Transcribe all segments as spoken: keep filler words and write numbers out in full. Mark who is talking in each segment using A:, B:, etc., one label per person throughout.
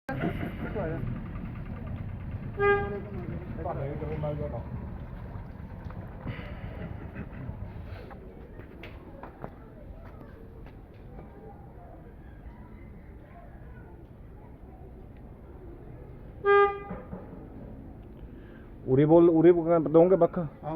A: ਉਰੇ ਬੋਲ ਉਰੇ ਦੋਗੇ ਬੱਖ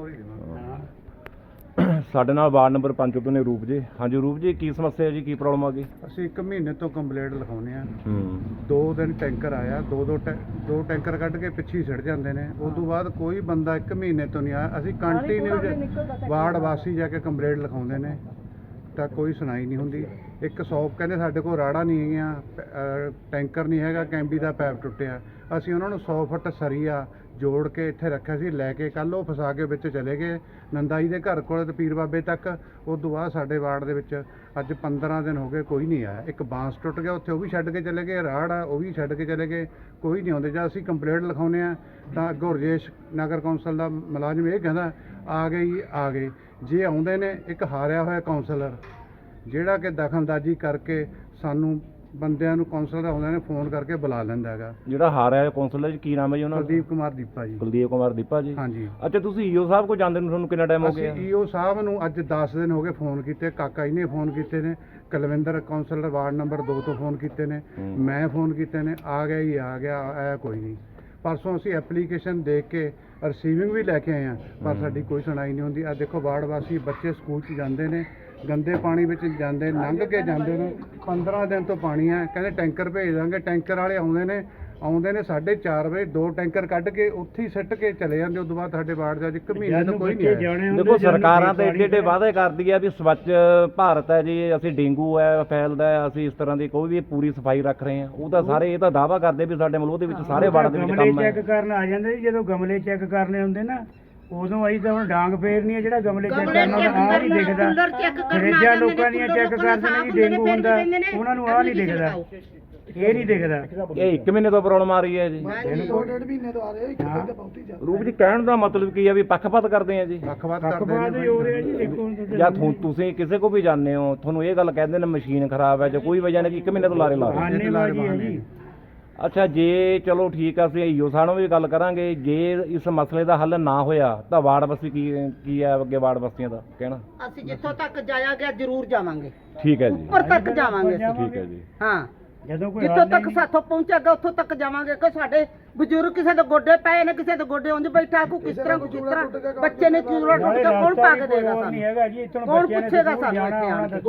A: ਸਾਡੇ ਨਾਲ ਵਾਰਡ ਨੰਬਰ ਪੰਜ ਤੋਂ ਨੇ ਰੂਪ ਜੀ। ਹਾਂਜੀ ਰੂਪ ਜੀ, ਕੀ ਸਮੱਸਿਆ ਜੀ, ਕੀ ਪ੍ਰੋਬਲਮ ਆ ਗਈ?
B: ਅਸੀਂ ਇੱਕ ਮਹੀਨੇ ਤੋਂ ਕੰਪਲੇਂਟ ਲਿਖਾਉਂਦੇ ਆ। ਦੋ ਦਿਨ ਟੈਂਕਰ ਆਇਆ, ਦੋ ਦੋ ਦੋ ਟੈਂਕਰ ਕੱਢ ਕੇ ਪਿੱਛੇ ਛੱਡ ਜਾਂਦੇ ਨੇ। ਉਸ ਤੋਂ ਬਾਅਦ ਕੋਈ ਬੰਦਾ ਇੱਕ ਮਹੀਨੇ ਤੋਂ ਨਹੀਂ ਆਇਆ। ਅਸੀਂ ਕੰਟੀਨਿਊ ਵਾਰਡ ਵਾਸੀ ਜਾ ਕੇ ਕੰਪਲੇਂਟ ਲਿਖਾਉਂਦੇ ਨੇ ਤਾਂ ਕੋਈ ਸੁਣਾਈ ਨਹੀਂ ਹੁੰਦੀ। ਇੱਕ ਸੌਪ ਕਹਿੰਦੇ ਸਾਡੇ ਕੋਲ ਰਾੜਾ ਨਹੀਂ ਹੈਗੀਆਂ, ਟੈਂਕਰ ਨਹੀਂ ਹੈਗਾ, ਕੈਂਬੀ ਦਾ ਪੈਪ ਟੁੱਟਿਆ। ਅਸੀਂ ਉਹਨਾਂ ਨੂੰ ਸੌ ਫੁੱਟ ਸਰੀਆ ਜੋੜ ਕੇ ਇੱਥੇ ਰੱਖਿਆ ਸੀ, ਲੈ ਕੇ ਕੱਲ੍ਹ ਉਹ ਫਸਾ ਕੇ ਵਿੱਚ ਚਲੇ ਗਏ ਨੰਦਾ ਜੀ ਦੇ ਘਰ ਕੋਲ ਤੇ ਪੀਰ ਬਾਬੇ ਤੱਕ। ਉਸ ਤੋਂ ਬਾਅਦ ਸਾਡੇ ਵਾਰਡ ਦੇ ਵਿੱਚ ਅੱਜ ਪੰਦਰਾਂ ਦਿਨ ਹੋ ਗਏ ਕੋਈ ਨਹੀਂ ਆਇਆ। ਇੱਕ ਬਾਂਸ ਟੁੱਟ ਗਿਆ ਉੱਥੇ, ਉਹ ਵੀ ਛੱਡ ਕੇ ਚਲੇ ਗਏ। ਰਾੜ ਆ ਉਹ ਵੀ ਛੱਡ ਕੇ ਚਲੇ ਗਏ, ਕੋਈ ਨਹੀਂ ਆਉਂਦੇ। ਜਦ ਅਸੀਂ ਕੰਪਲੇਂਟ ਲਿਖਾਉਂਦੇ ਹਾਂ ਤਾਂ ਅੱਗੋਂ ਰਜੇਸ਼ ਨਗਰ ਕੌਂਸਲ ਦਾ ਮੁਲਾਜ਼ਮ ਇਹ ਕਹਿੰਦਾ ਆ ਗਏ ਜੀ ਆ ਗਏ। ਜੇ ਆਉਂਦੇ ਨੇ ਇੱਕ ਹਾਰਿਆ ਹੋਇਆ ਕੌਂਸਲਰ ਜਿਹੜਾ ਕਿ ਦਖਲਅੰਦਾਜ਼ੀ ਕਰਕੇ ਸਾਨੂੰ ਬੰਦਿਆਂ ਨੂੰ ਕੌਂਸਲਰ ਆਉਂਦੇ ਨੇ ਫੋਨ ਕਰਕੇ ਬੁਲਾ ਲੈਂਦਾ ਹੈਗਾ।
A: ਜਿਹੜਾ ਹਾਰਿਆ ਕੌਂਸਲਰ ਜੀ ਕੀ ਨਾਮ ਹੈ ਜੀ ਉਹਨਾਂ ਦਾ?
B: ਕੁਲਦੀਪ ਕੁਮਾਰ ਦੀਪਾ ਜੀ।
A: ਕੁਲਦੀਪ ਕੁਮਾਰ ਦੀਪਾ ਜੀ।
B: ਹਾਂਜੀ।
A: ਅੱਛਾ, ਤੁਸੀਂ ਈਓ ਸਾਹਿਬ ਕੋਲ ਜਾਂਦੇ ਨੂੰ ਤੁਹਾਨੂੰ ਕਿੰਨਾ ਟਾਈਮ ਹੋ ਗਿਆ?
B: ਅਸੀਂ ਈਓ ਸਾਹਿਬ ਨੂੰ ਅੱਜ ਦਸ ਦਿਨ ਹੋ ਗਏ ਫੋਨ ਕੀਤੇ। ਕਾਕਾ ਜੀ ਨੇ ਫੋਨ ਕੀਤੇ ਨੇ, ਕੁਲਵਿੰਦਰ ਕੌਂਸਲਰ ਵਾਰਡ ਨੰਬਰ ਦੋ ਤੋਂ ਫੋਨ ਕੀਤੇ ਨੇ, ਮੈਂ ਫੋਨ ਕੀਤੇ ਨੇ। ਆ ਗਿਆ ਜੀ ਆ ਗਿਆ, ਆਇਆ ਕੋਈ ਨਹੀਂ। ਪਰਸੋਂ ਅਸੀਂ ਐਪਲੀਕੇਸ਼ਨ ਦੇਖ ਕੇ ਰਿਸੀਵਿੰਗ ਵੀ ਲੈ ਕੇ ਆਏ ਹਾਂ, ਪਰ ਸਾਡੀ ਕੋਈ ਸੁਣਾਈ ਨਹੀਂ ਹੁੰਦੀ। ਆ ਦੇਖੋ ਵਾਰਡ ਵਾਸੀ ਬੱਚੇ ਸਕੂਲ 'ਚ ਜਾਂਦੇ ਨੇ, ਗੰਦੇ ਪਾਣੀ ਵਿੱਚ ਜਾਂਦੇ, ਲੰਘ ਕੇ ਜਾਂਦੇ ਨੇ। ਪੰਦਰਾਂ ਦਿਨ ਤੋਂ ਪਾਣੀ ਹੈ, ਕਹਿੰਦੇ ਟੈਂਕਰ ਭੇਜ ਦਾਂਗੇ। ਟੈਂਕਰ ਵਾਲੇ ਆਉਂਦੇ ਨੇ ਆਉਂਦੇ ਨੇ ਸਾਢੇ ਚਾਰ ਵਜੇ, ਦੋ ਟੈਂਕਰ ਕੱਢ ਕੇ ਉੱਥੇ ਹੀ ਸਿੱਟ ਕੇ ਚਲੇ ਜਾਂਦੇ। ਉਸ ਤੋਂ ਬਾਅਦ ਸਾਡੇ ਵਾਰਡ ਦਾ ਇੱਕ ਮਹੀਨੇ ਤੋਂ ਕੋਈ ਨਹੀਂ ਆਇਆ।
A: ਦੇਖੋ ਸਰਕਾਰਾਂ ਤਾਂ ਏਡੇ ਏਡੇ ਵਾਅਦੇ ਕਰਦੀ ਆ ਵੀ ਸਵੱਛ ਭਾਰਤ ਹੈ ਜੀ, ਅਸੀਂ ਡੇਂਗੂ ਹੈ ਫੈਲਦਾ ਹੈ, ਅਸੀਂ ਇਸ ਤਰ੍ਹਾਂ ਦੀ ਕੋਈ ਵੀ ਪੂਰੀ ਸਫਾਈ ਰੱਖ ਰਹੇ ਹਾਂ। ਉਹ ਤਾਂ ਸਾਰੇ ਇਹ ਤਾਂ ਦਾਅਵਾ ਕਰਦੇ ਵੀ ਸਾਡੇ ਮਲੂਹ ਦੇ ਵਿੱਚ ਸਾਰੇ ਵਾਰਡ ਦੇ ਵਿੱਚ ਕੰਮ ਹੈ।
C: ਚੈੱਕ ਕਰਨ ਆ ਜਾਂਦੇ ਜੀ, ਜਦੋਂ ਗਮਲੇ ਚੈੱਕ ਕਰਨੇ ਹੁੰਦੇ ਨਾ ਉਦੋਂ ਅਸੀਂ ਤਾਂ ਹੁਣ ਡਾਂਗ ਫੇਰਨੀ ਹੈ। ਜਿਹੜਾ ਗਮਲੇ ਚੈੱਕ ਕਰਨਾ ਆਹ ਨਹੀਂ ਦਿਖਦਾ। ਫਰਿੱਜਾਂ ਲੋਕਾਂ ਦੀਆਂ ਚੈੱਕ ਕਰਦੇ ਨੇ ਜੀ, ਡੇਂਗੂ ਹੁੰਦਾ ਉਹਨਾਂ ਨੂੰ ਆਹ ਨਹੀਂ ਦਿਖਦਾ, ਇਹ ਨਹੀਂ ਦਿਖਦਾ।
A: ਇਹ ਇੱਕ ਮਹੀਨੇ ਤੋਂ ਪ੍ਰੋਬਲਮ ਆ ਰਹੀ ਹੈ ਜੀ। ਰੂਪ ਜੀ, ਕਹਿਣ ਦਾ ਮਤਲਬ ਕੀ ਹੈ ਵੀ ਪੱਖਪਾਤ ਕਰਦੇ ਆ ਜੀ?
B: ਪੱਖਪਾਤ ਕਰਦੇ ਹੋ ਰਿਹਾ ਜੀ। ਦੇਖੋ
A: ਜਾਂ ਤੁਸੀਂ ਕਿਸੇ ਕੋ ਵੀ ਜਾਂਦੇ ਹੋ, ਤੁਹਾਨੂੰ ਇਹ ਗੱਲ ਕਹਿੰਦੇ ਨੇ ਮਸ਼ੀਨ ਖਰਾਬ ਹੈ ਜਾਂ ਕੋਈ ਵਜ੍ਹਾ ਨਹੀਂ, ਇੱਕ ਮਹੀਨੇ ਤੋਂ ਲਾਰੇ ਲਾ ਰਹੇ। ਅੱਛਾ, ਜੇ ਚਲੋ ਠੀਕ ਆ, ਅਸੀਂ ਈਓ ਸਾਹਿਬ ਨੂੰ ਵੀ ਗੱਲ ਕਰਾਂਗੇ। ਜੇ ਇਸ ਮਸਲੇ ਦਾ ਹੱਲ ਨਾ ਹੋਇਆ ਤਾਂ ਵਾਰਡ ਵਾਸੀ ਕੀ ਕੀ ਹੈ ਅੱਗੇ ਵਾਰਡ ਵਾਸੀਆਂ ਦਾ ਕਹਿਣਾ?
D: ਅਸੀਂ ਜਿੱਥੋਂ ਤੱਕ ਜਾਇਆ ਗਿਆ ਜ਼ਰੂਰ ਜਾਵਾਂਗੇ।
A: ਠੀਕ ਹੈ ਜੀ,
D: ਉੱਪਰ ਤੱਕ ਜਾਵਾਂਗੇ।
A: ਠੀਕ ਹੈ ਜੀ।
D: ਹਾਂ, ਜਿੱਥੋਂ ਤੱਕ ਸਾਥੋਂ ਪਹੁੰਚੇਗਾ ਉੱਥੋਂ ਤੱਕ ਜਾਵਾਂਗੇ। ਕਿ ਸਾਡੇ ਬਜ਼ੁਰਗ ਕਿਸੇ ਦੇ ਗੋਡੇ ਪਏ ਨੇ, ਕਿਸੇ ਦੇ ਗੋਡੇ ਉਂਝ ਬੈਠਾ, ਕੋ ਕਿਸ ਤਰ੍ਹਾਂ ਕਿਸ ਤਰ੍ਹਾਂ ਬੱਚੇ ਨੇ ਚੂੜਾ ਟੁੱਟ ਕੇ ਕੌਣ ਪਾ ਕੇ ਦੇਗਾ ਸਾਨੂੰ? ਕੌਣ ਪੁੱਛੇਗਾ ਸਾਨੂੰ ਇੱਥੇ ਆਣ ਕੇ?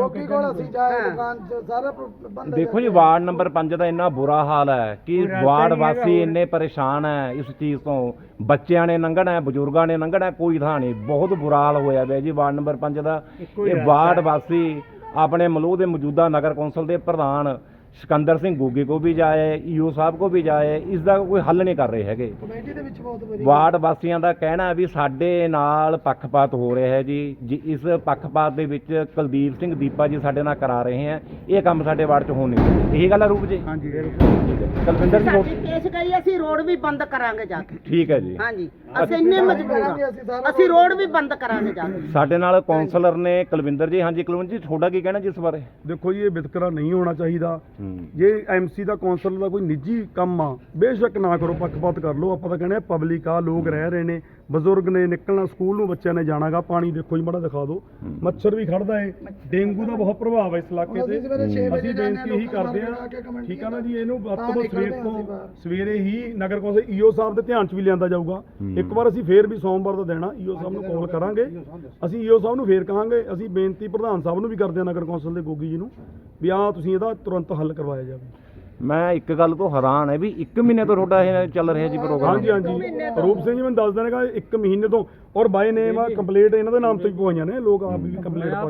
A: ਦੇਖੋ ਜੀ, ਵਾਰਡ ਨੰਬਰ ਪੰਜ ਦਾ ਇੰਨਾ ਬੁਰਾ ਹਾਲ ਹੈ ਕਿ ਵਾਰਡ ਵਾਸੀ ਇੰਨੇ ਪਰੇਸ਼ਾਨ ਹੈ ਇਸ ਚੀਜ਼ ਤੋਂ। ਬੱਚਿਆਂ ਨੇ ਲੰਘਣਾ, ਬਜ਼ੁਰਗਾਂ ਨੇ ਲੰਘਣਾ, ਕੋਈ ਥਾਂ ਨਹੀਂ। ਬਹੁਤ ਬੁਰਾ ਹਾਲ ਹੋਇਆ ਪਿਆ ਜੀ ਵਾਰਡ ਨੰਬਰ ਪੰਜ ਦਾ। ਇਹ ਵਾਰਡ ਵਾਸੀ ਆਪਣੇ ਮਲੂਹ ਦੇ ਮੌਜੂਦਾ ਨਗਰ ਕੌਂਸਲ ਦੇ ਪ੍ਰਧਾਨ ਸਿਕੰਦਰ ਸਿੰਘ ਗੋਗੇ ਕੋ ਵੀ ਜਾਏ, ਈਓ ਸਾਹਿਬ ਕੋ ਵੀ ਜਾਏ, ਇਸ ਦਾ ਕੋਈ ਹੱਲ ਨਹੀਂ ਕਰ ਰਹੇ ਹੈਗੇ। ਵਾਰਡ ਵਾਸੀਆਂ ਦਾ ਕਹਿਣਾ ਵੀ ਸਾਡੇ ਨਾਲ ਪੱਖਪਾਤ ਹੋ ਰਿਹਾ ਹੈ ਜੀ। ਜੀ ਇਸ ਪੱਖਪਾਤ ਦੇ ਵਿੱਚ ਕੁਲਦੀਪ ਸਿੰਘ ਦੀਪਾ ਜੀ ਸਾਡੇ ਨਾਲ ਕਰਾ ਰਹੇ ਹੈ। ਇਹ ਕੰਮ ਸਾਡੇ ਵਾਰਡ 'ਚ ਹੋਣ ਨਹੀਂ ਚਾਹੀਦਾ। ਇਹੀ ਗੱਲ ਹੈ ਰੂਪ ਜੀ?
B: ਹਾਂਜੀ।
A: ਕੁਲਵਿੰਦਰ ਜੀ
D: ਸਾਡੀ ਪੇਸ਼ ਗਈ, ਅਸੀਂ ਰੋਡ ਵੀ ਬੰਦ ਕਰਾਂਗੇ ਜਾ ਕੇ।
A: ਠੀਕ ਹੈ ਜੀ।
D: ਹਾਂਜੀ, ਅਸੀਂ ਇੰਨੇ ਮਜਬੂਰ ਹਾਂ, ਅਸੀਂ ਰੋਡ ਵੀ ਬੰਦ ਕਰਾਂਗੇ ਜਾ ਕੇ।
A: ਸਾਡੇ ਨਾਲ ਕੌਂਸਲਰ ਨੇ ਕੁਲਵਿੰਦਰ ਜੀ। ਹਾਂਜੀ ਕੁਲਵਿੰਦਰ ਜੀ, ਤੁਹਾਡਾ ਕੀ ਕਹਿਣਾ ਜੀ ਇਸ ਬਾਰੇ?
E: ਦੇਖੋ ਜੀ, ਇਹ ਵਿਤਕਰਾ ਨਹੀਂ ਹੋਣਾ ਚਾਹੀਦਾ। ਜੇ ਐਮਸੀ ਦਾ ਕੌਂਸਲਰ ਦਾ ਕੋਈ ਨਿੱਜੀ ਕੰਮ ਆ, ਬੇਸ਼ੱਕ ਨਾ ਕਰੋ, ਪੱਖਪਾਤ ਕਰ ਲਓ। ਆਪਾਂ ਤਾਂ ਕਹਿੰਦੇ ਪਬਲਿਕ ਆ, ਲੋਕ ਰਹਿ ਰਹੇ ਨੇ, ਬਜ਼ੁਰਗ ਨੇ ਨਿਕਲਣਾ, ਸਕੂਲ ਨੂੰ ਬੱਚਿਆਂ ਨੇ ਜਾਣਾਗਾ। ਪਾਣੀ ਦੇਖੋ ਜੀ, ਮਾੜਾ ਦਿਖਾ ਦਿਓ, ਮੱਛਰ ਵੀ ਖੜਦਾ ਹੈ, ਡੇਂਗੂ ਦਾ ਬਹੁਤ ਪ੍ਰਭਾਵ ਹੈ ਇਸ ਇਲਾਕੇ ਤੇ। ਅਸੀਂ ਬੇਨਤੀ ਇਹੀ ਕਰਦੇ ਹਾਂ, ਠੀਕ ਆ ਨਾ ਜੀ, ਇਹਨੂੰ ਵੱਧ ਤੋਂ ਵੱਧ ਸਵੇਰ ਤੋਂ ਸਵੇਰੇ ਹੀ ਨਗਰ ਕੌਂਸਲ ਈਓ ਸਾਹਿਬ ਦੇ ਧਿਆਨ 'ਚ ਵੀ ਲਿਆਂਦਾ ਜਾਊਗਾ। ਇੱਕ ਵਾਰ ਅਸੀਂ ਫੇਰ ਵੀ ਸੋਮਵਾਰ ਦਾ ਦੇਣਾ ਈਓ ਸਾਹਿਬ ਨੂੰ ਕਾਲ ਕਰਾਂਗੇ। ਅਸੀਂ ਈਓ ਸਾਹਿਬ ਨੂੰ ਫੇਰ ਕਹਾਂਗੇ। ਅਸੀਂ ਬੇਨਤੀ ਪ੍ਰਧਾਨ ਸਾਹਿਬ ਨੂੰ ਵੀ ਕਰਦੇ ਹਾਂ ਨਗਰ ਕੌਂਸਲ ਦੇ ਗੋਗੀ ਜੀ ਨੂੰ ਵੀ ਆਹ ਤੁਸੀਂ ਇਹਦਾ ਤੁਰੰਤ ਹੱਲ ਕਰਵਾਇਆ ਜਾਵੇ।
A: ਮੈਂ ਇੱਕ ਗੱਲ ਤੋਂ ਹੈਰਾਨ ਹੈ ਵੀ ਇੱਕ ਮਹੀਨੇ ਤੋਂ ਤੁਹਾਡਾ ਇਹ ਚੱਲ ਰਿਹਾ ਜੀ ਪ੍ਰੋਗਰਾਮ?
E: ਹਾਂਜੀ ਹਾਂਜੀ, ਰੂਪ ਸਿੰਘ ਜੀ ਮੈਨੂੰ ਦੱਸ ਦੇਣਗਾ ਇੱਕ ਮਹੀਨੇ ਤੋਂ। ਔਰ ਬਾਈ ਨੇਮ ਆ ਕੰਪਲੀਟ ਇਹਨਾਂ ਦੇ ਨਾਮ ਤੋਂ ਹੀ ਪਵਾਈਆਂ ਨੇ, ਲੋਕ ਆਪ ਵੀ ਕੰਪਲੀਟ ਪਾ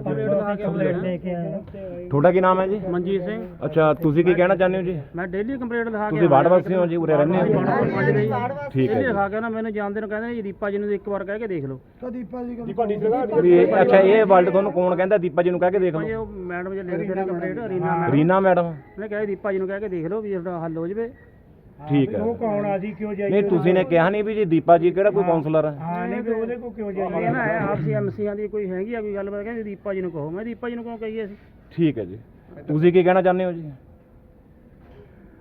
E: ਕੇ।
A: ਤੁਹਾਡਾ ਕੀ ਨਾਮ ਹੈ ਜੀ?
C: ਮਨਜੀਤ ਸਿੰਘ।
A: ਅੱਛਾ, ਤੁਸੀਂ ਕੀ ਕਹਿਣਾ ਚਾਹੁੰਦੇ ਹੋ ਜੀ?
C: ਮੈਂ ਡੇਲੀ ਕੰਪਲੀਟ ਲਿਖਾ ਕੇ
A: ਤੁਸੀਂ ਵਾਰਡ ਵਾਸੀ ਹੋ ਜੀ, ਉਰੇ ਰਹਿੰਦੇ ਹੋ? ਠੀਕ ਹੈ।
C: ਲਿਖਾ ਕੇ ਨਾ ਮੈਨੂੰ ਜਾਣਦੇ ਨੂੰ ਕਹਿੰਦੇ ਜੀ ਦੀਪਾ ਜੀ ਨੂੰ ਇੱਕ ਵਾਰ ਕਹਿ ਕੇ ਦੇਖ ਲਓ।
E: ਦੀਪਾ ਜੀ
A: ਅੱਛਾ, ਇਹ ਵਰਲਡ ਤੁਹਾਨੂੰ ਕੌਣ ਕਹਿੰਦਾ? ਦੀਪਾ ਜੀ ਨੂੰ ਕਹਿ ਕੇ ਦੇਖ ਲਓ।
C: ਮੈਡਮ ਜੀ ਲਿਖਦੇ ਨੇ complete, Reena madam.
A: Reena madam
C: ਮੈਂ ਕਿਹਾ ਦੀਪਾ ਜੀ ਨੂੰ ਕਹਿ ਕੇ ਦੇਖ ਲਓ ਵੀ ਇਹਦਾ ਹੱਲ ਹੋ ਜਾਵੇ।
A: ਠੀਕ ਹੈ।
C: ਉਹ ਕੌਣ ਆ ਜੀ, ਕਿਉਂ ਜਾਈਏ?
A: ਨਹੀਂ, ਤੁਸੀਂ ਨੇ ਕਿਹਾ ਨਹੀਂ ਵੀ ਜੀ ਦੀਪਾ ਜੀ ਕਿਹੜਾ ਕੋਈ ਕਾਉਂਸਲਰ ਹੈ?
C: ਹਾਂ, ਨਹੀਂ ਵੀ ਉਹਦੇ ਕੋਲ ਕਿਉਂ ਜਾਈਏ? ਇਹ ਨਾ ਆਪਸੀ ਐਮਸੀਆਂ ਦੀ ਕੋਈ ਹੈਗੀ ਆ ਕੋਈ ਗੱਲਬਾਤ, ਕਹਿੰਦੇ ਦੀਪਾ ਜੀ ਨੂੰ ਕਹੋ। ਮੈਂ ਦੀਪਾ ਜੀ ਨੂੰ ਕਿਉਂ ਕਹੀਏ ਅਸੀਂ? ਠੀਕ ਹੈ ਜੀ। ਤੁਸੀਂ ਕੀ ਕਹਿਣਾ ਚਾਹੁੰਦੇ ਹੋ ਜੀ?
A: ਮੈਂ ਇੱਕ ਗੱਲ ਤੋਂ ਹੈਰਾਨ ਹੈ ਵੀ ਇੱਕ ਮਹੀਨੇ ਤੋਂ ਤੁਹਾਡਾ ਇਹ ਚੱਲ ਰਿਹਾ ਜੀ ਪ੍ਰੋਗਰਾਮ?
C: ਮੈਂ ਦੀਪਾ ਜੀ ਨੂੰ ਕਹਿੰਦਾ ਜੀ ਦੀਪਾ ਜੀ ਨੂੰ ਕਹੋ। ਮੈਂ ਦੀਪਾ ਜੀ ਨੂੰ ਕਿਉਂ ਕਹੀਏ ਅਸੀਂ? ਠੀਕ ਹੈ ਜੀ। ਤੁਸੀਂ ਕੀ ਕਹਿਣਾ ਚਾਹੁੰਦੇ ਹੋ ਜੀ?
A: ਠੀਕ ਹੈ ਜੀ।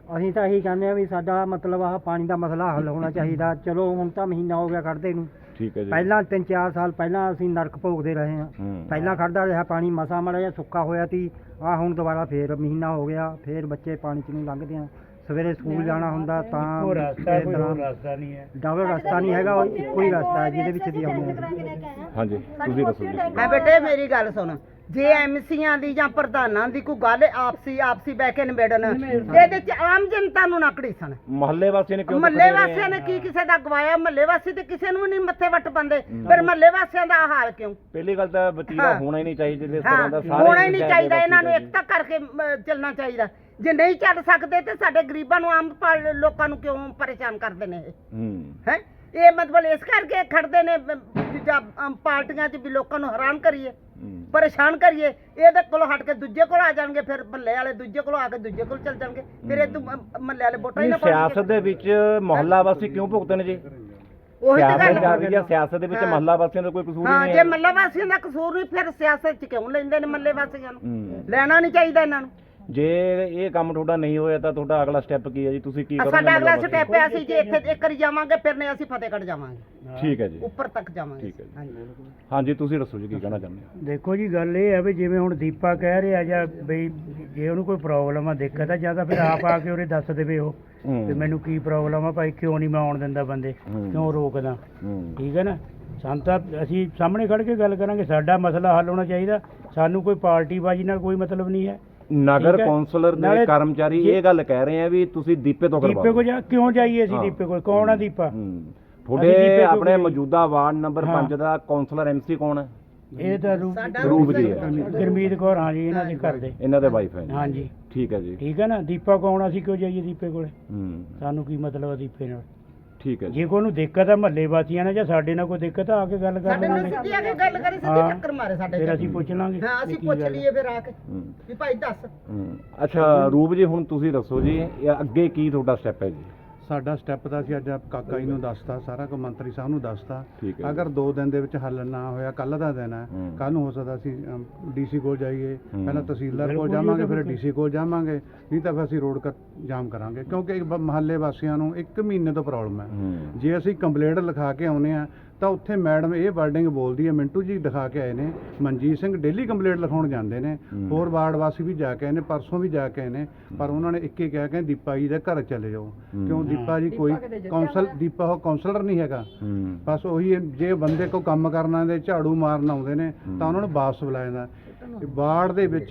C: ਅਸੀਂ ਤਾਂ ਇਹੀ ਕਹਿੰਦੇ ਆ ਵੀ ਸਾਡਾ ਮਤਲਬ ਆਹ ਪਾਣੀ ਦਾ ਮਸਲਾ ਹੱਲ ਹੋਣਾ ਚਾਹੀਦਾ। ਚਲੋ ਹੁਣ ਤਾਂ ਮਹੀਨਾ ਹੋ ਗਿਆ ਕੱਢਦੇ ਨੂੰ,
A: ਠੀਕ ਹੈ ਜੀ।
C: ਪਹਿਲਾਂ ਤਿੰਨ ਚਾਰ ਸਾਲ ਪਹਿਲਾਂ ਅਸੀਂ ਨਰਕ ਭੋਗਦੇ ਰਹੇ ਹਾਂ।
A: ਹੂੰ।
C: ਪਹਿਲਾਂ ਖੜਦਾ ਰਿਹਾ ਪਾਣੀ, ਮਸਾ ਮਾੜਾ ਜਿਹਾ ਸੁੱਕਾ ਹੋਇਆ ਸੀ। ਆਹ ਹੁਣ ਦੁਬਾਰਾ ਫੇਰ ਮਹੀਨਾ ਹੋ ਗਿਆ, ਫੇਰ ਬੱਚੇ ਪਾਣੀ 'ਚ ਨੂੰ ਲੰਘਦੇ ਆ। ਸਵੇਰੇ ਸਕੂਲ ਜਾਣਾ ਹੁੰਦਾ ਤਾਂ
F: ਕੋਈ ਰਸਤਾ ਕੋਈ ਹੋਰ
C: ਰਸਤਾ
F: ਰਸਤਾ ਨਹੀਂ ਹੈ।
C: ਡਬਲ ਰਸਤਾ ਨਹੀਂ ਹੈਗਾ, ਉਹ ਇੱਕੋ ਹੀ ਰਸਤਾ ਹੈ ਜਿਹਦੇ ਵਿੱਚ ਦੀ ਆਉਂਦੇ ਆ।
A: ਹਾਂਜੀ ਤੁਸੀਂ ਦੱਸੋ ਜੀ।
D: ਮੈਂ ਬੇਟੇ ਮੇਰੀ ਗੱਲ ਸੁਣ, ਜੇ ਐਮਸੀਆਂ ਦੀ ਜਾਂ ਪ੍ਰਧਾਨਾਂ ਦੀ ਕੋਈ ਗੱਲ ਆਪਸੀ ਆਪਸੀ ਬਹਿ ਕੇ ਨਿਬੇੜਨ, ਇਹਦੇ ਚ ਆਮ ਜਨਤਾ ਨੂੰ ਨਾ ਘੜੀਸਣ।
A: ਮਹੱਲੇ ਵਾਸੀਆਂ ਨੇ ਕਿਉਂ
D: ਮਹੱਲੇ
A: ਪਕੜੇ ਰਹੇ
D: ਵਾਸੀਆਂ ਨੇ
A: ਆ?
D: ਕੀ ਕਿਸੇ ਦਾ ਗਵਾਇਆ? ਮਹੱਲੇ ਵਾਸੀ ਤੇ ਕਿਸੇ ਨੂੰ ਨਹੀਂ ਮੱਥੇ ਵੱਟ ਪਾਉਂਦੇ, ਫਿਰ ਮਹੱਲੇ ਵਾਸੀਆਂ ਦਾ ਆਹ ਹਾਲ ਕਿਉਂ?
A: ਪਹਿਲੀ ਗੱਲ ਤਾਂ ਵਤੀਰਾ
D: ਹਾਂ।
A: ਹੋਣਾ ਹੀ ਨਹੀਂ ਚਾਹੀਦਾ ਜਿਸ
D: ਹਾਂ,
A: ਤਰ੍ਹਾਂ ਦਾ ਸਾਰੇ
D: ਹੋਣਾ ਹੀ ਨਹੀਂ
A: ਪੰਚਾਇਤ
D: ਚਾਹੀਦਾ।
A: ਦੇ
D: ਇਹਨਾਂ ਨੂੰ
A: ਵਾਸੀ
D: ਇਕਤਾ ਕਰਕੇ ਅਮ, ਚੱਲਣਾ ਚਾਹੀਦਾ। ਜੇ ਨਹੀਂ ਚੱਲ ਸਕਦੇ ਤੇ ਸਾਡੇ ਗਰੀਬਾਂ ਨੂੰ, ਆਮ ਪਾ- ਲੋਕਾਂ ਨੂੰ ਕਿਉਂ ਪਰੇਸ਼ਾਨ ਕਰਦੇ ਨੇ ਇਹ?
A: ਹੂੰ।
D: ਹੈ ਇਹ ਮਤਲਬ ਇਸ ਕਰਕੇ ਖੜਦੇ ਨੇ ਬ- ਦੂਜਾ ਅਮ, ਪਾਰਟੀਆਂ 'ਚ ਵੀ ਲੋਕਾਂ ਨੂੰ ਹੈਰਾਨ ਕਰੀਏ,
A: ਹੂੰ।
D: ਪਰੇਸ਼ਾਨ ਕਰੀਏ। ਇਹਦੇ ਕੋਲੋਂ ਹਟ ਕੇ ਦੂਜੇ ਕੋਲ ਆ ਜਾਣਗੇ, ਫਿਰ ਮਹੱਲੇ ਵਾਲੇ ਦੂਜੇ ਕੋਲੋਂ ਆ ਕੇ ਦੂਜੇ ਕੋਲ ਚੱਲ ਜਾਣਗੇ, ਫਿਰ ਇਹ ਮਹੱਲੇ ਵਾਲੇ ਵੋਟਾਂ ਹੀ
A: ਨਹੀਂ,
D: ਨਾ ਪਾਉਣਗੇ।
A: ਸਿਆਸਤ ਦੇ ਵਿੱਚ ਮਹੱਲਾ ਵਾਸੀ ਕਿਉਂ ਭੁਗਤਣ ਜੀ?
D: ਉਹੀ ਤਾਂ
A: ਸਿਆਸਤ
D: ਗੱਲ
A: ਚੱਲ ਰਹੀ ਹੈ, ਸਿਆਸਤ ਦੇ ਵਿੱਚ
D: ਹਾਂ।
A: ਮਹੱਲਾ ਵਾਸੀਆਂ ਦਾ ਕੋਈ ਕਸੂਰ
D: ਹਾਂ,
A: ਨਹੀਂ
D: ਜੇ
A: ਹੈ।
D: ਮਹੱਲੇ ਵਾਸੀਆਂ ਦਾ ਕਸੂਰ ਨਹੀਂ, ਫਿਰ ਸਿਆਸਤ 'ਚ ਕਿਉਂ ਲੈਂਦੇ ਨੇ ਮਹੱਲੇ ਵਾਸੀਆਂ ਨੂੰ?
A: ਹੂੰ।
D: ਲੈਣਾ ਨਹੀਂ ਚਾਹੀਦਾ ਇਹਨਾਂ ਨੂੰ।
A: ਜੇ ਇਹ ਕੰਮ ਤੁਹਾਡਾ ਨਹੀਂ ਹੋਇਆ ਤਾਂ ਤੁਹਾਡਾ ਅਗਲਾ ਸਟੈਪ ਕੀ ਹੈ ਜੀ? ਤੁਸੀਂ ਕੀ
D: ਆ
A: ਕਰੋਗੇ?
D: ਸਾਡਾ ਅਗਲਾ
A: ਮਹੱਲਾ
D: ਸਟੈਪ ਹੈ, ਅਸੀਂ ਜੇ ਇੱਥੇ ਇੱਕ ਵਾਰੀ ਜਾਵਾਂਗੇ, ਫਿਰ ਨਹੀਂ ਅਸੀਂ ਫਤਿਹਗੜ੍ਹ ਜਾਵਾਂਗੇ,
A: ਵਾਸੀ? ਠੀਕ ਹੈ ਜੀ।
D: ਉੱਪਰ ਤੱਕ ਜਾਵਾਂਗੇ।
A: ਠੀਕ ਹੈ ਜੀ।
D: ਹਾਂਜੀ।
A: ਹਾਂਜੀ ਤੁਸੀਂ ਦੱਸੋ ਜੀ ਕੀ ਕਹਿਣਾ ਚਾਹੁੰਦੇ ਹੋ?
C: ਦੇਖੋ ਜੀ, ਗੱਲ ਇਹ ਹੈ ਵੀ ਜਿਵੇਂ ਹੁਣ ਦੀਪਾ ਕਹਿ ਰਿਹਾ ਜਾਂ ਬਈ ਜੇ ਉਹਨੂੰ ਕੋਈ ਪ੍ਰੋਬਲਮ ਆ, ਦਿੱਕਤ ਆ, ਜਾਂ ਤਾਂ ਫਿਰ ਆਪ ਆ ਕੇ ਉਹਨੇ ਦੱਸ ਦੇਵੇ ਉਹ
A: ਹੂੰ।
C: ਵੀ ਮੈਨੂੰ ਕੀ ਪ੍ਰੋਬਲਮ ਆ ਭਾਈ, ਕਿਉਂ ਨਹੀਂ ਮੈਂ ਆਉਣ ਦਿੰਦਾ ਬੰਦੇ,
A: ਹੂੰ।
C: ਕਿਉਂ ਰੋਕਦਾ।
A: ਹੂੰ।
C: ਠੀਕ ਹੈ ਨਾ, ਸਾਨੂੰ ਤਾਂ ਅਸੀਂ ਸਾਹਮਣੇ ਖੜ ਕੇ ਗੱਲ ਕਰਾਂਗੇ, ਸਾਡਾ ਮਸਲਾ ਹੱਲ ਹੋਣਾ ਚਾਹੀਦਾ। ਸਾਨੂੰ ਕੋਈ ਪਾਰਟੀਬਾਜ਼ੀ ਨਾਲ ਕੋਈ ਮਤਲਬ ਨਹੀਂ ਹੈ।
A: ਨਗਰ
C: ਠੀਕ ਹੈ।
A: ਕੌਂਸਲਰ ਦੇ
C: ਨਾਲੇ
A: ਕਰਮਚਾਰੀ
C: ਜੇ-
A: ਇਹ ਗੱਲ ਕਹਿ ਰਹੇ ਆ ਵੀ ਤੁਸੀਂ ਦੀਪੇ ਤੋਂ ਕਰਵਾਓ।
C: ਦੀਪੇ ਕੋ ਜਾ ਕਿਉਂ ਜਾਈਏ ਅਸੀਂ?
A: ਹਾਂ।
C: ਦੀਪੇ ਕੋਲ ਕੌਣ ਆ ਦੀਪਾ?
A: ਹੂੰ।
C: ਅਸੀਂ
A: ਤੁਹਾਡੇ
C: ਦੀਪੇ ਤੋਂ
A: ਆਪਣੇ
C: ਕੋਈ-
A: ਮੌਜੂਦਾ ਵਾਰਡ ਨੰਬਰ
C: ਹਾਂ।
A: ਪੰਜ ਦਾ ਕੌਂਸਲਰ ਐਮਸੀ ਕੌਣ ਹੈ?
C: ਇਹ ਤਾਂ ਰੂ-
A: ਰੂਪ ਜੀ ਹੈ।
C: ਗੁਰਮੀਤ ਕੌਰ, ਹਾਂ ਜੀ, ਇਹਨਾਂ ਦੇ ਘਰ ਦੇ।
A: ਇਹਨਾਂ ਦੇ ਵਾਈਫ ਹੈ?
C: ਹਾਂ ਜੀ।
A: ਠੀਕ ਹੈ ਜੀ।
C: ਠੀਕ ਹੈ ਨਾ, ਦੀਪਾ ਕੌਣ? ਅਸੀਂ ਕਿਉਂ ਜਾਈਏ ਦੀਪੇ ਕੋਲੇ?
A: ਹੂੰ।
C: ਸਾਨੂੰ ਕੀ ਮਤਲਬ ਆ ਦੀਪੇ ਨਾਲ?
A: ਠੀਕ ਹੈ ਜੀ।
C: ਜੇ ਕੋਈ ਨੂੰ ਦਿੱਕਤ ਆ ਮਹੱਲੇ ਵਾਸੀਆਂ ਨਾਲ ਜਾਂ ਸਾਡੇ ਨਾਲ ਕੋਈ ਦਿੱਕਤ ਆ, ਆ ਕੇ ਗੱਲ ਕਰ
D: ਸਾਡੇ ਨਾਲ
C: ਲਾਂਗੇ।
D: ਸਿੱਧੀ ਆ ਕੇ ਗੱਲ ਕਰੀ, ਸਿੱਧੀ
C: ਹਾਂ।
D: ਟੱਕਰ ਮਾਰੇ ਸਾਡੇ
C: ਫਿਰ
D: ਚ।
C: ਅਸੀਂ ਪੁੱਛ ਲਾਂਗੇ
D: ਹਾਂ,
C: ਵੀ
D: ਅਸੀਂ
C: ਕੀ
D: ਪੁੱਛ
C: ਗੱਲ ਆ।
D: ਲਈਏ ਫਿਰ ਆ ਕੇ
A: ਹੂੰ।
D: ਵੀ ਭਾਈ ਦੱਸ।
A: ਹੂੰ। ਅੱਛਾ ਰੂਪ ਜੀ, ਹੁਣ ਤੁਸੀਂ ਦੱਸੋ ਜੀ ਇਹ ਅੱਗੇ ਕੀ ਤੁਹਾਡਾ ਸਟੈਪ ਹੈ ਜੀ?
B: ਸਾਡਾ ਸਟੈਪ ਤਾਂ ਅਸੀਂ ਅੱਜ ਕਾਕਾ ਜੀ ਨੂੰ ਦੱਸਤਾ, ਸਾਰਾ ਕੁ ਮੰਤਰੀ ਸਾਹਿਬ ਨੂੰ ਦੱਸਤਾ।
A: ਠੀਕ ਹੈ।
B: ਅਗਰ ਦੋ ਦਿਨ ਦੇ ਵਿੱਚ ਹੱਲ ਨਾ ਹੋਇਆ, ਕੱਲ ਦਾ ਦਿਨ ਹੈ,
A: ਹੂੰ।
B: ਕੱਲ ਨੂੰ ਹੋ ਸਕਦਾ ਅਸੀਂ ਡੀਸੀ ਕੋਲ ਜਾਈਏ,
A: ਹੂੰ।
B: ਪਹਿਲਾਂ ਤਹਿਸੀਲਦਾਰ ਕੋਲ
C: ਬਿਲਕੁਲ ਜੀ,
B: ਜਾਵਾਂਗੇ,
C: ਉਹ ਤਾਂ
B: ਫਿਰ
C: ਬਿਲਕੁਲ।
B: ਡੀਸੀ ਕੋਲ ਜਾਵਾਂਗੇ, ਨਹੀਂ ਤਾਂ ਫਿਰ ਅਸੀਂ ਰੋਡ ਕ ਜਾਮ ਕਰਾਂਗੇ, ਕਿਉਂਕਿ ਮਹੱਲੇ ਵਾਸੀਆਂ ਨੂੰ ਇੱਕ ਮਹੀਨੇ ਤੋਂ ਪ੍ਰੋਬਲਮ ਹੈ।
A: ਹੂੰ।
B: ਜੇ ਅਸੀਂ ਕੰਪਲੇਂਟ ਲਿਖਾ ਕੇ ਆਉਨੇ ਆ ਤਾਂ ਉੱਥੇ ਮੈਡਮ ਇਹ ਵਰਡਿੰਗ ਬੋਲਦੀ ਹੈ, ਮਿੰਟੂ ਜੀ ਦਿਖਾ ਕੇ ਆਏ ਨੇ, ਮਨਜੀਤ ਸਿੰਘ ਡੇਲੀ ਕੰਪਲੇਂਟ ਲਿਖਾਉਣ ਜਾਂਦੇ ਨੇ,
A: ਹੂੰ।
B: ਹੋਰ ਵਾਰਡ ਵਾਸੀ ਵੀ ਜਾ ਕੇ ਆਏ ਨੇ, ਪਰਸੋਂ ਵੀ ਜਾ ਕੇ ਆਏ ਨੇ, ਪਰ ਉਹਨਾਂ ਨੇ ਇੱਕ ਹੀ ਕਿਹਾ ਕਿ ਦੀਪਾ ਜੀ ਦੇ ਘਰ ਚਲੇ ਜਾਓ,
A: ਹੂੰ।
B: ਕਿਉਂ ਦੀਪਾ ਜੀ ਕੋਈ ਕੌਂਸਲ ਦੀਪਾ ਉਹ ਕੌਂਸਲਰ ਨਹੀਂ ਹੈਗਾ।
A: ਹੂੰ।
B: ਬਸ ਉਹੀ ਹੈ, ਜੇ ਬੰਦੇ ਕੋ ਕੰਮ ਕਰਨਾ ਦੇ ਝਾੜੂ ਮਾਰਨ ਆਉਂਦੇ ਨੇ ਤਾਂ ਉਹਨਾਂ ਨੂੰ ਵਾਪਸ ਬੁਲਾਇਆ ਜਾਂਦਾ। ਵਾਰਡ ਦੇ ਵਿੱਚ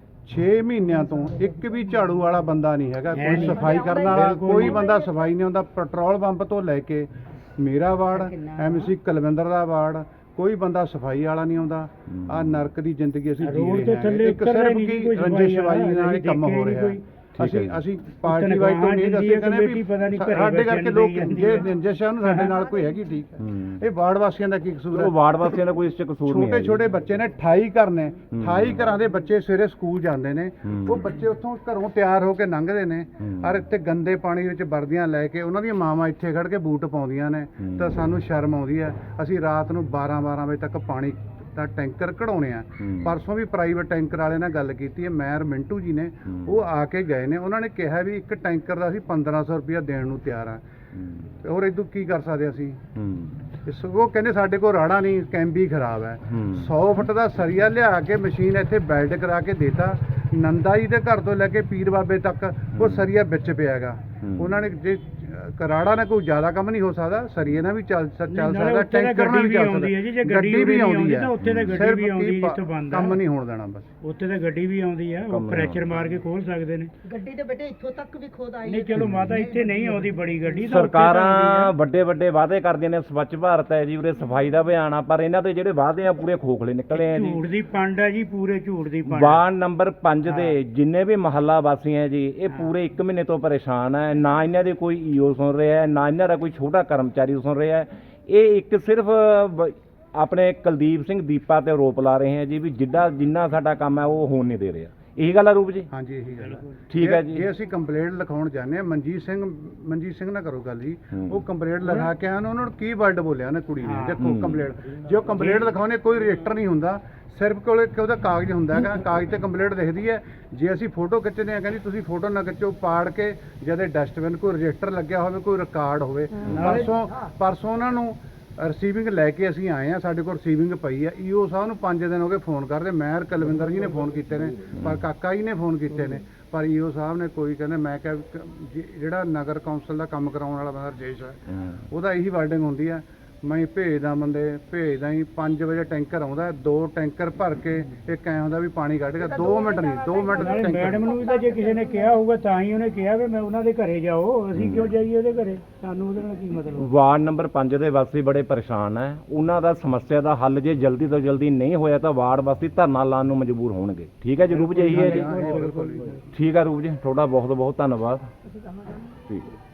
B: ਛੇ ਮਹੀਨਿਆਂ ਤੋਂ ਇੱਕ ਵੀ ਝਾੜੂ ਵਾਲਾ ਬੰਦਾ ਨਹੀਂ ਹੈਗਾ,
C: ਹੈ
B: ਕੋਈ
C: ਨਹੀਂ।
B: ਸਫਾਈ ਕਰਨ ਵਾਲਾ
C: ਬਿਲਕੁਲ
B: ਕੋਈ
C: ਨਹੀਂ।
B: ਬੰਦਾ ਸਫਾਈ ਨਹੀਂ ਆਉਂਦਾ। ਪੈਟਰੋਲ ਪੰਪ ਤੋਂ ਲੈ ਕੇ ਮੇਰਾ ਵਾਰਡ, ਐਮਸੀ ਕੁਲਵਿੰਦਰ ਦਾ ਵਾਰਡ, ਕੋਈ ਬੰਦਾ ਸਫਾਈ ਵਾਲਾ ਨਹੀਂ ਆਉਂਦਾ। ਆ ਨਰਕ ਦੀ ਜ਼ਿੰਦਗੀ ਅਸੀਂ ਜੀ
C: ਰੋਡ
B: ਰਹੇ
C: ਤੋਂ
B: ਹਾਂ।
C: ਥੱਲੇ
B: ਇੱਕ
C: ਉਤਰਦਾ ਹੀ
B: ਸਿਰਫ
C: ਨਹੀਂ
B: ਕੀ
C: ਕੋਈ ਸਫਾਈ
B: ਰੰਜਿਸ਼ਵਾਈ
C: ਵਾਲਾ,
B: ਨਾਲ ਇਹ ਕੰਮ
C: ਦੇਖਿਆ
B: ਹੋ
C: ਹੀ
B: ਰਿਹਾ।
C: ਨਹੀਂ
A: ਕੋਈ।
B: ਅਸੀਂ
A: ਠੀਕ ਹੈ।
B: ਅਸੀਂ ਪਾਰਟੀ ਵਾਈਜ਼ ਤੋਂ ਨਹੀਂ ਅਸੀਂ ਕਹਿੰਦੇ
C: ਕਮੇਟੀ ਪਤਾ ਨਹੀਂ
B: ਵੀ
C: ਘਰੇ
B: ਸਾਡੇ
C: ਬੈਠਣ
B: ਕਰਕੇ
C: ਦੀ
B: ਲੋਕ
C: ਜਾਂਦੀ
B: ਜੇ
C: ਹੈ।
B: ਰੰਜਿਸ਼ਾਂ ਨੂੰ ਸਾਡੇ ਨਾਲ ਕੋਈ ਹੈਗੀ, ਠੀਕ ਹੈ।
A: ਹੂੰ।
B: ਇਹ ਵਾਰਡ ਵਾਸੀਆਂ ਦਾ ਕੀ ਕਸੂਰ ਹੈ?
A: ਉਹ ਵਾਰਡ ਵਾਸੀਆਂ ਦਾ ਕੋਈ ਇਸ ਚ ਕਸੂਰ ਨਹੀਂ ਹੈ
B: ਛੋਟੇ
A: ਜੀ।
B: ਛੋਟੇ ਬੱਚੇ ਨੇ, ਅਠਾਈ ਘਰ ਨੇ,
A: ਹੂੰ।
B: ਅਠਾਈ ਘਰਾਂ ਦੇ ਬੱਚੇ ਸਵੇਰੇ ਸਕੂਲ ਜਾਂਦੇ ਨੇ।
A: ਹੂੰ।
B: ਉਹ ਬੱਚੇ ਉੱਥੋਂ ਘਰੋਂ ਤਿਆਰ ਹੋ ਕੇ ਲੰਘਦੇ ਨੇ,
A: ਹੂੰ।
B: ਔਰ ਇੱਥੇ ਗੰਦੇ ਪਾਣੀ ਵਿੱਚ ਵਰਦੀਆਂ ਲੈ ਕੇ ਉਹਨਾਂ ਦੀਆਂ ਮਾਵਾਂ ਇੱਥੇ ਖੜ ਕੇ ਬੂਟ ਪਾਉਂਦੀਆਂ ਨੇ,
A: ਹੂੰ।
B: ਤਾਂ ਸਾਨੂੰ ਸ਼ਰਮ ਆਉਂਦੀ ਹੈ। ਅਸੀਂ ਰਾਤ ਨੂੰ ਬਾਰਾਂ ਬਾਰਾਂ ਵਜੇ ਤੱਕ ਪਾਣੀ ਦਾ ਟੈਂਕਰ ਕਢਾਉਣੇ ਆ।
A: ਹੂੰ।
B: ਪਰਸੋਂ ਵੀ ਪ੍ਰਾਈਵੇਟ ਟੈਂਕਰ ਵਾਲੇ ਨਾਲ ਗੱਲ ਕੀਤੀ ਹੈ, ਮੈਰ ਮਿੰਟੂ ਜੀ ਨੇ,
A: ਹੂੰ।
B: ਉਹ ਆ ਕੇ ਗਏ ਨੇ। ਉਹਨਾਂ ਨੇ ਕਿਹਾ ਵੀ ਇੱਕ ਟੈਂਕਰ ਦਾ ਅਸੀਂ ਪੰਦਰਾਂ ਸੌ ਰੁਪਇਆ ਦੇਣ ਨੂੰ ਤਿਆਰ ਆ।
A: ਹੂੰ।
B: ਹੋਰ ਇਦੋਂ ਕੀ ਕਰ ਸਕਦੇ ਅਸੀਂ?
A: ਹੂੰ।
B: ਇਸ ਉਹ ਕਹਿੰਦੇ ਸਾਡੇ ਕੋਲ ਰਾੜਾ ਨਹੀਂ, ਕੈਂਬੀ ਖਰਾਬ ਹੈ।
A: ਹੂੰ।
B: ਸੌ ਫੁੱਟ ਦਾ ਸਰੀਆ ਲਿਆ ਕੇ ਮਸ਼ੀਨ ਇੱਥੇ ਬੈਲਟ ਕਰਾ ਕੇ ਦੇਤਾ। ਨੰਦਾ ਜੀ ਦੇ ਘਰ ਤੋਂ ਲੈ ਕੇ ਪੀਰ ਬਾਬੇ ਤੱਕ ਉਹ ਸਰੀਆ ਵਿੱਚ ਪਿਆਗਾ।
A: ਹੂੰ।
B: ਉਹਨਾਂ ਨੇ ਜੇ ਕਰਾੜਾ ਨਾਲ ਕੋਈ ਜ਼ਿਆਦਾ ਕੰਮ ਨਹੀਂ ਹੋ ਸਕਦਾ, ਸਰੀਏ ਨਾਲ ਵੀ ਚੱਲ ਚੱਲ
C: ਨਾਲੇ
B: ਸਕਦਾ,
C: ਉੱਥੇ ਤਾਂ
B: ਟੈਂਕਰ ਨਾਲ ਵੀ
C: ਗੱਡੀ
B: ਚੱਲ
C: ਵੀ ਆਉਂਦੀ ਹੈ ਜੀ, ਜੇ
B: ਸਕਦਾ।
C: ਗੱਡੀ
B: ਗੱਡੀ ਵੀ
C: ਨਹੀਂ
B: ਆਉਂਦੀ
C: ਆਉਂਦੀ
B: ਹੈ,
C: ਤਾਂ ਉੱਥੇ ਤਾਂ ਗੱਡੀ
B: ਸਿਰਫ
C: ਵੀ ਆਉਂਦੀ
B: ਕੀ
C: ਜਿੱਥੋਂ ਬੰਦ ਆ।
B: ਕੰਮ ਨਹੀਂ ਹੋਣ ਦੇਣਾ ਬਸ।
C: ਉੱਥੇ ਤਾਂ ਗੱਡੀ ਵੀ ਆਉਂਦੀ ਆ,
A: ਕੰਮ
C: ਉਹ
A: ਨਹੀਂ
C: ਪ੍ਰੈਸ਼ਰ
A: ਆਉਂਦਾ।
C: ਮਾਰ ਕੇ ਖੋਲ ਸਕਦੇ ਨੇ।
D: ਗੱਡੀ ਦੇ ਬੇਟੇ ਇੱਥੋਂ ਤੱਕ ਵੀ ਖੁਦ ਆਈ
C: ਨਹੀਂ ਚਲੋ ਮਾਤਾ ਇੱਥੇ ਨਹੀਂ ਆਉਂਦੀ ਬੜੀ ਗੱਡੀ, ਤਾਂ ਉੱਥੇ ਤਾਂ
A: ਸਰਕਾਰਾਂ
C: ਆਉਂਦੀ
A: ਵੱਡੇ ਵੱਡੇ ਵਾਅਦੇ ਕਰਦੀਆਂ ਨੇ, ਸਵੱਛ ਭਾਰਤ ਹੈ ਜੀ, ਉਰੇ ਸਫਾਈ ਦਾ ਅਭਿਆਨ ਆ, ਪਰ ਇਹਨਾਂ ਦੇ ਜਿਹੜੇ ਵਾਅਦੇ ਆ ਪੂਰੇ ਖੋਖਲੇ ਨਿਕਲੇ
C: ਆ।
A: ਆ ਜੀ।
C: ਝੂਠ ਦੀ ਪੰਡ ਆ ਜੀ, ਪੂਰੇ ਝੂਠ ਦੀ ਪੰਡ।
A: ਵਾਰਡ ਨੰਬਰ ਪੰਜ ਦੇ ਜਿੰਨੇ ਵੀ ਮਹੱਲਾ ਵਾਸੀ ਹੈ ਜੀ, ਇਹ ਪੂਰੇ ਇੱਕ ਮਹੀਨੇ ਤੋਂ ਪਰੇਸ਼ਾਨ ਹੈ। ਨਾ ਇਹਨਾਂ ਦੇ ਕੋਈ ਈਓ ਸੁਣ ਰਿਹਾ ਹੈ, ਨਾ ਇਹਨਾਂ ਦਾ ਕੋਈ ਛੋਟਾ ਕਰਮਚਾਰੀ ਸੁਣ ਰਿਹਾ ਹੈ। ਇਹ ਇੱਕ ਸਿਰਫ ਬ- ਆਪਣੇ ਕੁਲਦੀਪ ਸਿੰਘ ਦੀਪਾ ਤੇ ਆਰੋਪ ਲਾ ਰਹੇ ਹੈ ਜੀ ਵੀ ਜਿੱਡਾ ਜਿੰਨਾ ਸਾਡਾ ਕੰਮ ਹੈ ਉਹ ਹੋਣ ਨਹੀਂ ਦੇ ਰਿਹਾ। ਇਹੀ ਗੱਲ ਆ ਰੂਪ ਜੀ?
B: ਹਾਂਜੀ ਇਹੀ ਗੱਲ ਹੈ।
A: ਠੀਕ ਹੈ
B: ਜੇ-
A: ਜੀ।
B: ਜੇ ਅਸੀਂ ਕੰਪਲੇਂਟ ਲਿਖਾਉਣ ਜਾਂਦੇ ਆ, ਮਨਜੀਤ ਸਿੰਘ ਮਨਜੀਤ ਸਿੰਘ ਨਾਲ ਕਰੋ ਗੱਲ ਜੀ,
A: ਹੂੰ।
B: ਉਹ ਕੰਪਲੇਂਟ ਲਿਖਾ ਕੇ ਆਉਣ, ਉਹਨਾਂ ਨੂੰ ਕੀ ਵਰਡ ਬੋਲਿਆ ਉਹਨੇ ਕੁੜੀ ਨੇ, ਦੇਖੋ
A: ਹੂੰ।
B: ਕੰਪਲੇਂਟ ਜੇ ਉਹ ਕੰਪਲੇਂਟ ਲਿਖਾਉਣੇ ਕੋਈ ਰਜਿਸਟਰ ਨਹੀਂ ਹੁੰਦਾ, ਸਿਰਫ ਕੋਲੇ ਕਿ ਉਹਦਾ ਕਾਗਜ਼ ਹੁੰਦਾ ਹੈਗਾ, ਕਾਗਜ਼ ਤੇ ਕੰਪਲੇਂਟ ਲਿਖਦੀ ਹੈ। ਜੇ ਅਸੀਂ ਫੋਟੋ ਖਿੱਚਦੇ ਆ, ਕਹਿੰਦੀ ਤੁਸੀਂ ਫੋਟੋ ਨਾ ਖਿੱਚੋ, ਪਾੜ ਕੇ ਜਦੇ ਡਸਟਬਿਨ ਕੋਈ ਰਜਿਸਟਰ ਲੱਗਿਆ ਹੋਵੇ, ਕੋਈ ਰਿਕਾਰਡ ਹੋਵੇ। ਪਰਸੋਂ ਪਰਸੋਂ ਉਹਨਾਂ ਨੂੰ ਰਿਸੀਵਿੰਗ ਲੈ ਕੇ ਅਸੀਂ ਆਏ ਆ, ਸਾਡੇ ਕੋਲ ਰਿਸੀਵਿੰਗ ਪਈ ਆ। ਈਓ ਸਾਹਿਬ ਨੂੰ ਪੰਜ ਦਿਨ ਹੋ ਗਏ ਫੋਨ ਕਰਦੇ, ਮੈਂ ਕੁਲਵਿੰਦਰ ਜੀ ਨੇ ਫੋਨ ਕੀਤੇ ਨੇ, ਪਰ ਕਾਕਾ ਜੀ ਨੇ ਫੋਨ ਕੀਤੇ ਨੇ, ਪਰ ਈਓ ਸਾਹਿਬ ਨੇ ਕੋਈ ਕਹਿੰਦੇ, ਮੈਂ ਕਿਹਾ ਵੀ ਜ- ਜਿਹੜਾ ਨਗਰ ਕੌਂਸਲ ਦਾ ਕੰਮ ਕਰਾਉਣ ਵਾਲਾ ਬੰਦਾ ਰਜੇਸ਼ ਹੈ,
A: ਹੂੰ।
B: ਉਹਦਾ ਇਹੀ ਵਾਰਡਿੰਗ ਹੁੰਦੀ ਆ, ਮੈਂ ਭੇਜਦਾ ਬੰਦੇ ਭੇਜਦਾ ਹੀ ਪੰਜ ਵਜੇ ਟੈਂਕਰ ਆਉਂਦਾ, ਦੋ ਟੈਂਕਰ ਭਰ ਕੇ ਇੱਕ ਐਂ ਹੁੰਦਾ ਵੀ ਪਾਣੀ ਕੱਢ ਕੇ ਦੋ ਮਿੰਟ ਨਹੀਂ ਦੋ ਮਿੰਟ
C: ਨਾਲੇ
B: ਟੈਂਕਰ।
C: ਮੈਡਮ ਨੂੰ ਵੀ ਤਾਂ ਜੇ ਕਿਸੇ ਨੇ ਕਿਹਾ ਹੋਊਗਾ ਤਾਂ ਹੀ ਉਹਨੇ ਕਿਹਾ ਵੀ ਮੈਂ ਉਹਨਾਂ ਦੇ ਘਰੇ ਜਾਓ, ਅਸੀਂ ਕਿਉਂ ਜਾਈਏ ਉਹਦੇ ਘਰੇ, ਸਾਨੂੰ ਉਹਦੇ ਨਾਲ ਕੀ ਮਤਲਬ।
A: ਵਾਰਡ ਨੰਬਰ ਪੰਜ ਦੇ ਵਾਸੀ ਬੜੇ ਪਰੇਸ਼ਾਨ ਹੈ। ਉਹਨਾਂ ਦਾ ਸਮੱਸਿਆ ਦਾ ਹੱਲ ਜੇ ਜਲਦੀ ਤੋਂ ਜਲਦੀ ਨਹੀਂ ਹੋਇਆ ਤਾਂ ਵਾਰਡ ਵਾਸੀ ਧਰਨਾ ਲਾਉਣ ਨੂੰ ਮਜਬੂਰ ਹੋਣਗੇ। ਠੀਕ ਹੈ ਜੀ ਰੂਪ ਜੀ, ਇਹੀ ਹੈ ਜੀ?
B: ਹਾਂ, ਇਹ ਬਿਲਕੁਲ ਜੀ।
A: ਠੀਕ ਹੈ ਰੂਪ ਜੀ, ਤੁਹਾਡਾ ਬਹੁਤ ਬਹੁਤ ਧੰਨਵਾਦ। ਠੀਕ ਹੈ।